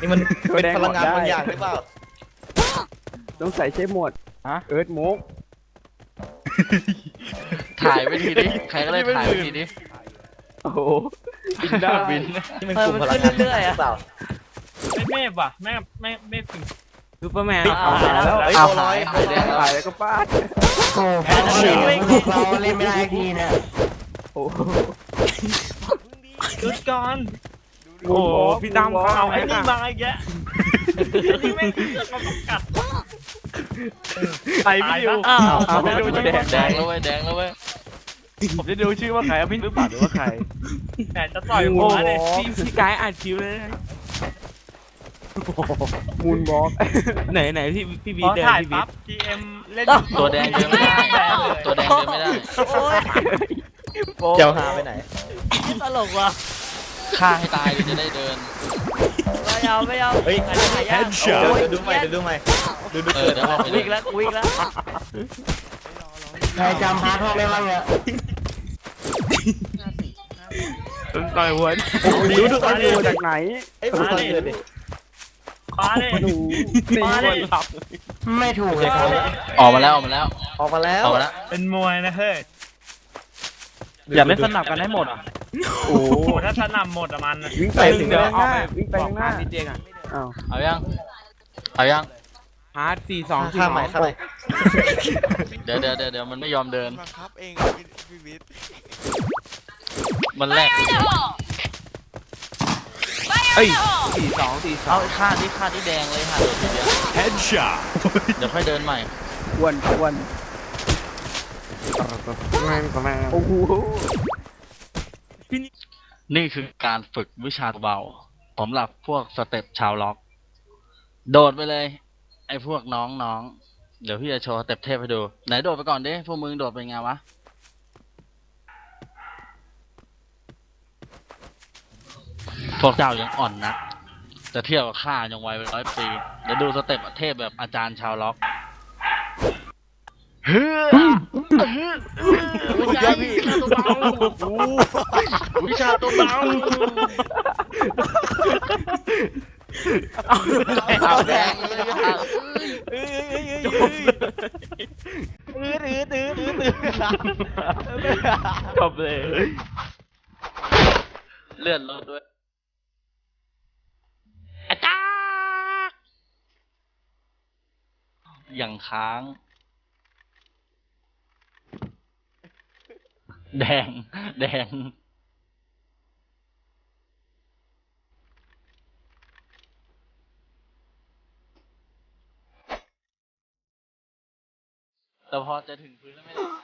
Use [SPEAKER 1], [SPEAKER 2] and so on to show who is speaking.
[SPEAKER 1] นี่มันเป็นพลังงานบางอย่างหรือเปล่า
[SPEAKER 2] ต้องใส่ใช้หมดเอิร์ธมุก
[SPEAKER 3] ถ่ายไปทีดิใครก็ได้ถ่ายไปทีดิ
[SPEAKER 2] โอ้โหบินได้บิน
[SPEAKER 1] นี่มันกลุ่มพลังงานเรื่อยๆอะเปล่า
[SPEAKER 4] ไม่เมฟว่ะไม่ถึง
[SPEAKER 5] ซูเปอร์แมน
[SPEAKER 2] เอาแล้ว
[SPEAKER 1] เอาร้อย
[SPEAKER 3] หายแดง
[SPEAKER 2] ตายแล้วก็ป้าด
[SPEAKER 6] โอ้แพ้เราเล่นไม่ได้ทีเนี่ย
[SPEAKER 2] โอ้โห
[SPEAKER 4] หยุดก่อน
[SPEAKER 5] โอ้พี่ตั้มเขาเอา
[SPEAKER 4] ไอ้
[SPEAKER 5] ไอ้
[SPEAKER 4] นี่
[SPEAKER 5] นี่
[SPEAKER 4] มาอีกแกไอ้นี่ไม่เราต้องกัด
[SPEAKER 5] ใครไม่อยู่
[SPEAKER 2] เอาไม่ดูแดง
[SPEAKER 3] แดงแล้วเว้ยแดงแล้วเว้ย
[SPEAKER 5] ผมจะดูชื่อว่าใครพี่หรือเปล่าหรือว่าใคร
[SPEAKER 4] แต่จะต่อยหั
[SPEAKER 5] โอ้
[SPEAKER 4] ว
[SPEAKER 5] โห
[SPEAKER 4] เลย
[SPEAKER 5] พี่กายอ่านคิวเลย
[SPEAKER 2] มูนบล็อก
[SPEAKER 5] ไหนพี่บี
[SPEAKER 4] พอ
[SPEAKER 5] เดิน
[SPEAKER 4] ถ่าย
[SPEAKER 5] พี่บี
[SPEAKER 4] ปั๊บ GM เล่น
[SPEAKER 3] ตัวแดงเดินไม่ได้ตัวแดงเดินไม่ได้
[SPEAKER 1] เจ้าหาไปไหน
[SPEAKER 4] ตลกว่ะ
[SPEAKER 3] ฆ่าให้ตายเลยจะได้เดิน
[SPEAKER 4] ไม่เอา
[SPEAKER 1] เฮ้ย
[SPEAKER 4] อันนี้หายาก
[SPEAKER 1] เดี๋ยวดูใหม่ดู
[SPEAKER 3] เออเดี๋ยวออกไปเล
[SPEAKER 4] วิ่
[SPEAKER 3] ย
[SPEAKER 4] งแล้ววิ่งแล้ว
[SPEAKER 6] ใครจำพาร์ทห้องได้บ้างเนี่ย
[SPEAKER 5] ต่อยหัว
[SPEAKER 2] ดูไอ้ดูจากไหน
[SPEAKER 1] เอ้ยผมตอนเกิดดิ
[SPEAKER 4] มาเลย
[SPEAKER 2] ดู
[SPEAKER 4] มาเลย
[SPEAKER 6] ไม่ถูกเลย
[SPEAKER 3] ออกมาแล้วออกมาแล้ว
[SPEAKER 1] ออกมาแล้ว
[SPEAKER 3] ออกมาแล้ว
[SPEAKER 4] เป็นมวยนะเฮ้ย
[SPEAKER 5] อย่าไม่สนับกันให้หมดอ่ะ
[SPEAKER 2] โอ้
[SPEAKER 4] โอ้โหถ้าสนำหมดอะมัน
[SPEAKER 2] วิ่งไปถึงข้างหน้าวิ่งไปข้างหน้า
[SPEAKER 5] พี่เจงอ่ะ
[SPEAKER 2] อ้าว
[SPEAKER 3] เอายังเอายัง
[SPEAKER 5] ฮาร์ด4-2
[SPEAKER 1] ข้ามใหม่ข้ามใหม่
[SPEAKER 3] เดี๋ยวมันไม่ยอมเดิน
[SPEAKER 7] บังคับเองพี่วิทย์
[SPEAKER 3] มันแรก
[SPEAKER 5] เอ้ย4-2
[SPEAKER 3] เอาฆ่าที่แดงเลยค่ะเดี๋ยวเดี๋ยวค่อยเดินใหม่
[SPEAKER 2] อ้วนโอ้โห
[SPEAKER 3] นี่คือการฝึกวิชาเบาสำหรับพวกสเต็ปชาวล็อก โดดไปเลย ไอ้พวกน้องเดี๋ยวพี่จะโชว์สเต็ปเทพให้ดู ไหนโดดไปก่อนดิพวกมึงโดดไปไงวะ พวกเจ้ายังอ่อนนะจะเทียบกับข้ายังวัยเป็น100 ปีเดี๋ยวดูสเต็ปเทพแบบอาจารย์ชาวล็อกเฮ้ยวิชาตัวเบาวิชาตัวเบา เอาแดงเลย
[SPEAKER 5] จบเลย
[SPEAKER 3] เลื่อนรถด้วยอย่างค้าง แดงแต่พอจะถึงพื้นแล้วไม่ได้